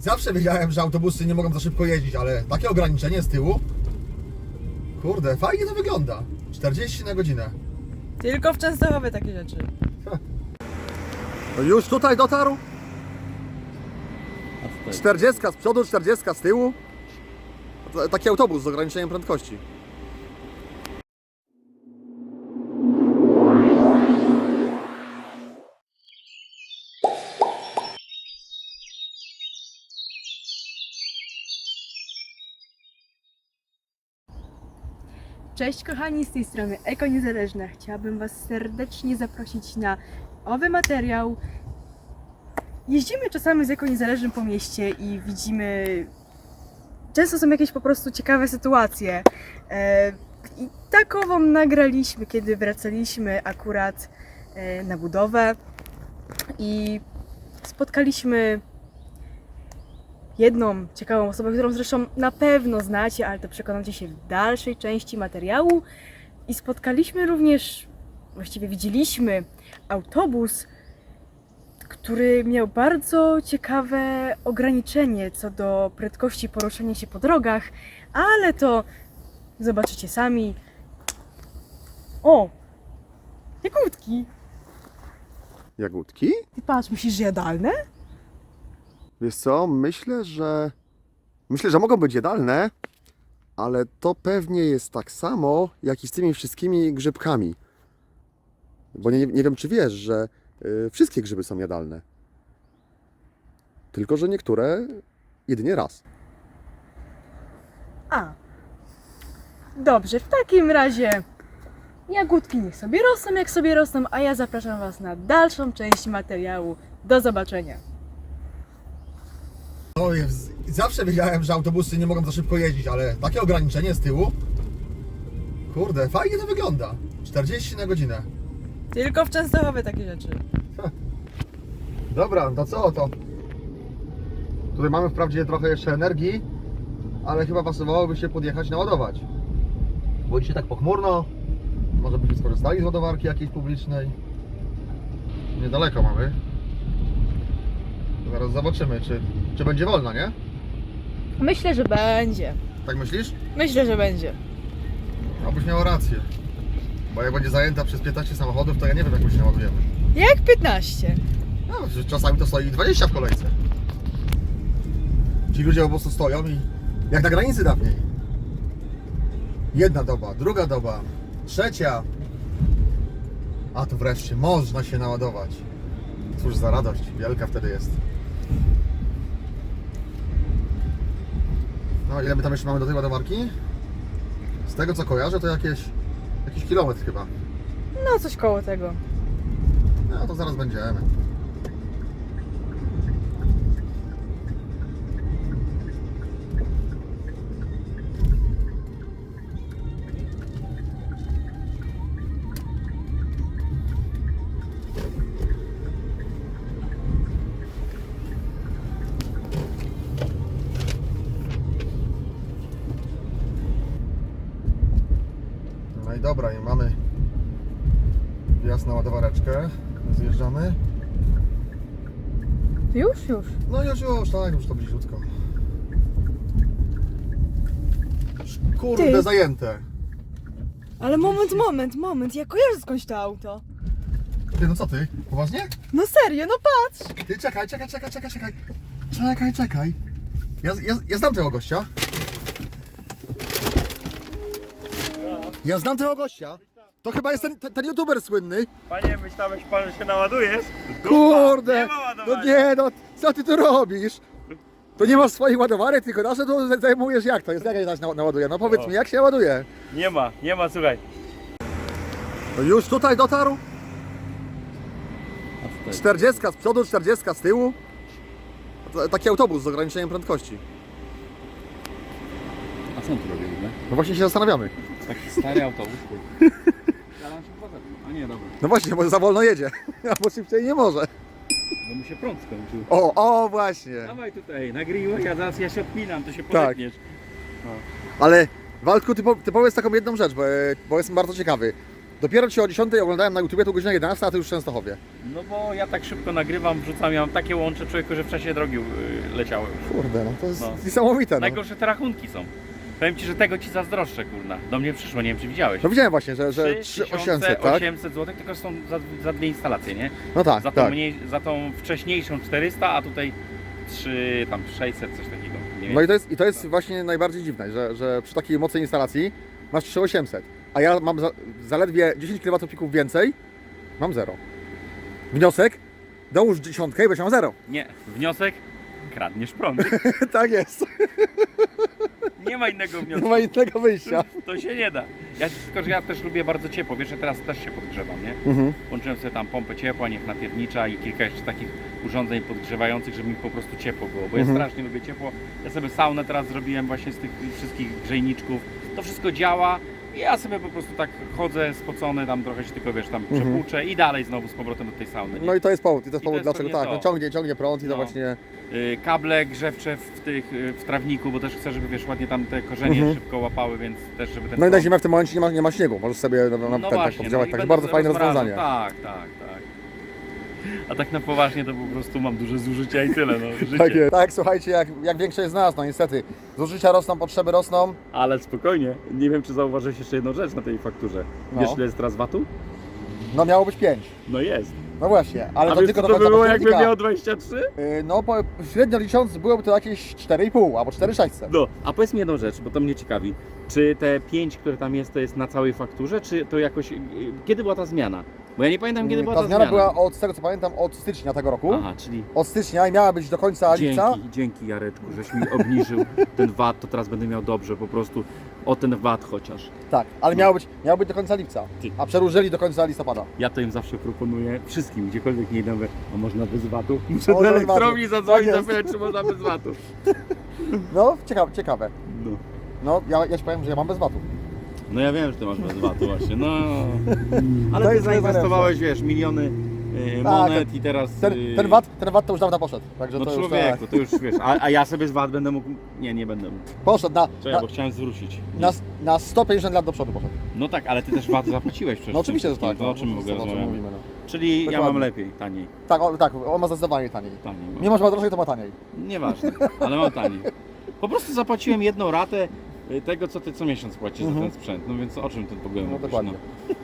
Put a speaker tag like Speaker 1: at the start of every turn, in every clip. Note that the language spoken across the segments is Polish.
Speaker 1: zawsze wiedziałem, że autobusy nie mogą za szybko jeździć, ale takie ograniczenie z tyłu? Kurde, fajnie to wygląda. 40 na godzinę.
Speaker 2: Tylko w Częstochowie takie rzeczy.
Speaker 1: No już tutaj dotarł? 40 z przodu, 40 z tyłu? Taki autobus z ograniczeniem prędkości.
Speaker 2: Cześć kochani, z tej strony Eko Niezależna. Chciałabym Was serdecznie zaprosić na owy materiał. Jeździmy czasami z Eko Niezależnym po mieście i widzimy... Często są jakieś po prostu ciekawe sytuacje. I takową nagraliśmy, kiedy wracaliśmy akurat na budowę i spotkaliśmy jedną ciekawą osobę, którą zresztą na pewno znacie, ale to przekonacie się w dalszej części materiału. I spotkaliśmy również, właściwie widzieliśmy autobus, który miał bardzo ciekawe ograniczenie co do prędkości poruszania się po drogach, ale to zobaczycie sami. O! Jagódki!
Speaker 1: Jagódki?
Speaker 2: Ty patrz, myślisz, że jadalne?
Speaker 1: Wiesz co, myślę, że mogą być jadalne, ale to pewnie jest tak samo, jak i z tymi wszystkimi grzybkami. Bo nie wiem, czy wiesz, że wszystkie grzyby są jadalne. Tylko że niektóre jedynie raz.
Speaker 2: A. Dobrze, w takim razie jagódki niech sobie rosną, jak sobie rosną, a ja zapraszam Was na dalszą część materiału. Do zobaczenia.
Speaker 1: No, zawsze wiedziałem, że autobusy nie mogą za szybko jeździć, ale takie ograniczenie z tyłu? Kurde, fajnie to wygląda. 40 na godzinę.
Speaker 2: Tylko w Częstochowie takie rzeczy.
Speaker 1: Dobra, to co to? Tutaj mamy wprawdzie trochę jeszcze energii, ale chyba pasowałoby się podjechać naładować. Bo dzisiaj tak pochmurno, może byśmy skorzystali z ładowarki jakiejś publicznej. Niedaleko mamy. Zaraz zobaczymy, czy będzie wolna, nie?
Speaker 2: Myślę, że będzie.
Speaker 1: Tak myślisz?
Speaker 2: Myślę, że będzie.
Speaker 1: Obyś miała rację. Bo jak będzie zajęta przez 15 samochodów, to ja nie wiem, jak my się naładujemy.
Speaker 2: Jak 15?
Speaker 1: No, czasami to stoi 20 w kolejce. Ci ludzie po prostu stoją i jak na granicy dawniej. Jedna doba, druga doba, trzecia. A tu wreszcie można się naładować. Cóż za radość, wielka wtedy jest. No ile my tam jeszcze mamy do tej ładowarki? Z tego co kojarzę, to jakiś kilometr chyba.
Speaker 2: No coś koło tego.
Speaker 1: No to zaraz będziemy. No i dobra, i mamy wjazd na ładowareczkę. Zjeżdżamy.
Speaker 2: Już?
Speaker 1: No już, tak, już to bliziutko. Kurde,
Speaker 2: Ty.
Speaker 1: zajęte.
Speaker 2: Ale moment, ja kojarzę skądś to auto.
Speaker 1: Ty, no co ty? Poważnie?
Speaker 2: No serio, no patrz!
Speaker 1: Ty, czekaj. Ja znam tego gościa. Ja znam tego gościa. To chyba jest ten youtuber słynny.
Speaker 3: Panie, myślałeś pan, że się naładujesz? Dupa,
Speaker 1: Kurde!
Speaker 3: nie ma ładowania.
Speaker 1: No nie, no co ty tu robisz? To nie masz swoich ładowarek, tylko nasze tu zajmujesz jak to jest? Jak ja się naładuje? No powiedz mi, jak się ładuje?
Speaker 3: Nie ma, słuchaj.
Speaker 1: No już tutaj dotarł? 40 z przodu, 40 z tyłu? Taki autobus z ograniczeniem prędkości.
Speaker 4: A co on tu robi w ogóle?
Speaker 1: No właśnie się zastanawiamy.
Speaker 4: Taki stary autobus. A nie, dobra.
Speaker 1: No właśnie, bo za wolno jedzie. Albo szybciej nie może.
Speaker 4: Bo mu się prąd skończył.
Speaker 1: O właśnie.
Speaker 4: Dawaj tutaj, nagrywaj, a zaraz ja się odpinam, to się podepniesz.
Speaker 1: Ale Waldku, ty powiedz taką jedną rzecz, bo jestem bardzo ciekawy. Dopiero Cię o 10 oglądałem na YouTubie, to godzina 11, a Ty już w Częstochowie.
Speaker 4: No bo ja tak szybko nagrywam, wrzucam, ja mam takie łącze człowieku, że w czasie drogi leciały.
Speaker 1: Kurde, no to jest
Speaker 4: No.
Speaker 1: niesamowite. No.
Speaker 4: Najgorsze te rachunki są. Powiem Ci, że tego Ci zazdroszczę, kurna. Do mnie przyszło, nie wiem czy widziałeś.
Speaker 1: No widziałem właśnie, że 3800, tak?
Speaker 4: 800 zł, tylko są za dwie instalacje, nie?
Speaker 1: No tak,
Speaker 4: Za tą,
Speaker 1: tak.
Speaker 4: za tą wcześniejszą 400, a tutaj 3, tam 600, coś takiego. Nie
Speaker 1: No
Speaker 4: wiem.
Speaker 1: i to jest właśnie najbardziej dziwne, że przy takiej mocnej instalacji masz 3800, a ja mam zaledwie 10 kWp więcej, mam 0. Wniosek? Dołóż 10 i będziesz miał 0.
Speaker 4: Nie, wniosek? Kradniesz prąd.
Speaker 1: Tak jest.
Speaker 4: Nie ma innego
Speaker 1: Nie
Speaker 4: wniosku.
Speaker 1: ma innego wyjścia.
Speaker 4: To się nie da. Tylko, że ja też lubię bardzo ciepło. Wiesz, że teraz też się podgrzewam, nie?
Speaker 1: Mhm.
Speaker 4: Włączyłem sobie tam pompę ciepła, niech natiernicza i kilka jeszcze takich urządzeń podgrzewających, żeby mi po prostu ciepło było. Bo ja strasznie lubię ciepło. Ja sobie saunę teraz zrobiłem właśnie z tych wszystkich grzejniczków. To wszystko działa. I ja sobie po prostu tak chodzę spocony, tam trochę się tylko, wiesz, tam przepłuczę i dalej znowu z powrotem do tej sauny. Nie?
Speaker 1: No i to jest powód,
Speaker 4: to jest
Speaker 1: dlaczego
Speaker 4: pewnie
Speaker 1: tak,
Speaker 4: to.
Speaker 1: no ciągnie prąd i to
Speaker 4: No.
Speaker 1: właśnie...
Speaker 4: Kable grzewcze w trawniku, bo też chcę, żeby wiesz, ładnie tam te korzenie szybko łapały, więc też żeby ten
Speaker 1: No i na
Speaker 4: prąd-
Speaker 1: zimę w tym momencie nie ma śniegu, możesz sobie tak poddziałać,
Speaker 4: i
Speaker 1: także
Speaker 4: będę
Speaker 1: bardzo fajne
Speaker 4: rozmrażał.
Speaker 1: rozwiązanie.
Speaker 4: Tak. A tak na poważnie to po prostu mam duże zużycia i tyle, no, życie.
Speaker 1: Tak jest. Tak, słuchajcie, jak większość z nas, no niestety, zużycia rosną, potrzeby rosną.
Speaker 4: Ale spokojnie, nie wiem czy zauważyłeś jeszcze jedną rzecz na tej fakturze. Wiesz
Speaker 1: No.
Speaker 4: ile jest teraz VAT-u?
Speaker 1: No miało być 5.
Speaker 4: No jest.
Speaker 1: No właśnie, ale
Speaker 4: A
Speaker 1: to
Speaker 4: wiesz
Speaker 1: tylko
Speaker 4: co
Speaker 1: do
Speaker 4: to
Speaker 1: końca
Speaker 4: było jakby
Speaker 1: października.
Speaker 4: miał 23?
Speaker 1: No średnio licząc byłoby to jakieś 4,5 albo 4,600.
Speaker 4: No, a powiedz mi jedną rzecz, bo to mnie ciekawi. Czy te 5, które tam jest, to jest na całej fakturze, czy to jakoś... Kiedy była ta zmiana? Bo ja nie pamiętam kiedy była
Speaker 1: Ta
Speaker 4: ta
Speaker 1: zmiana była z tego co pamiętam od stycznia tego roku.
Speaker 4: Aha, czyli...
Speaker 1: Od stycznia i miała być do końca lipca.
Speaker 4: Dzięki Jareczku, żeś mi obniżył ten VAT, to teraz będę miał dobrze, po prostu o ten VAT chociaż.
Speaker 1: Tak, ale miało być do końca lipca,
Speaker 4: Ty.
Speaker 1: a przedłużyli do końca listopada.
Speaker 4: Ja to im zawsze proponuję wszystkim, gdziekolwiek nie idę, mówię, a można bez VAT-u? Muszę
Speaker 1: Można
Speaker 4: do
Speaker 1: bez
Speaker 4: elektrowni
Speaker 1: VAT-u.
Speaker 4: zadzwonić,
Speaker 1: Tak jest.
Speaker 4: zapytać, czy można bez VAT-u.
Speaker 1: No, ciekawe.
Speaker 4: No.
Speaker 1: No, ja ci powiem, że ja mam bez VAT-u.
Speaker 4: No ja wiem, że ty masz bez VAT-u właśnie, no. Ale
Speaker 1: To
Speaker 4: ty
Speaker 1: jest
Speaker 4: zainwestowałeś, wiesz, miliony monet i teraz...
Speaker 1: Ten VAT to już dawno poszedł. Także
Speaker 4: No
Speaker 1: to już
Speaker 4: człowieku,
Speaker 1: tak.
Speaker 4: to już wiesz, a ja sobie z VAT będę mógł... Nie będę mógł.
Speaker 1: Poszedł
Speaker 4: Czekaj, bo chciałem zwrócić.
Speaker 1: na 150 lat do przodu poszedł.
Speaker 4: No tak, ale ty też VAT zapłaciłeś przecież.
Speaker 1: No oczywiście, że tak.
Speaker 4: To o czym my w ogóle
Speaker 1: o czym
Speaker 4: rozmawiamy?
Speaker 1: mówimy, no.
Speaker 4: Czyli ja
Speaker 1: Dokładnie.
Speaker 4: mam lepiej, taniej.
Speaker 1: Tak, on ma zdecydowanie taniej.
Speaker 4: Taniej mam.
Speaker 1: Mimo, że ma drożej, to ma taniej.
Speaker 4: Nieważne, ale mam taniej. Po prostu zapłaciłem jedną ratę tego, co ty co miesiąc płacisz za ten sprzęt. No więc o czym ty w ogóle
Speaker 1: No
Speaker 4: mówisz?
Speaker 1: dokładnie.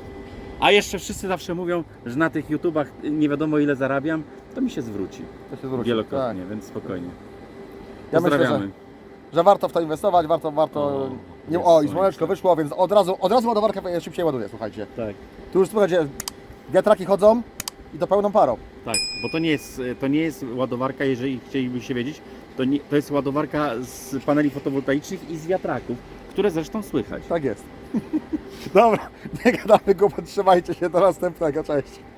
Speaker 4: A jeszcze wszyscy zawsze mówią, że na tych YouTubach nie wiadomo ile zarabiam, to mi się zwróci.
Speaker 1: To się zwróci.
Speaker 4: Wielokrotnie, więc spokojnie.
Speaker 1: Ja myślę,
Speaker 4: Pozdrawiamy.
Speaker 1: że warto w to inwestować, warto. Nie,
Speaker 4: jest
Speaker 1: o, i
Speaker 4: słońce.
Speaker 1: słoneczko wyszło, więc od razu ładowarka szybciej ładuje, słuchajcie.
Speaker 4: Tak,
Speaker 1: Tu już słuchajcie, wiatraki chodzą i to pełną parą.
Speaker 4: tak, bo to nie jest ładowarka, jeżeli chcielibyście wiedzieć, to jest ładowarka z paneli fotowoltaicznych i z wiatraków, które zresztą słychać.
Speaker 1: Tak jest. Dobra, nie gadamy głupot, trzymajcie się, do następnego, cześć.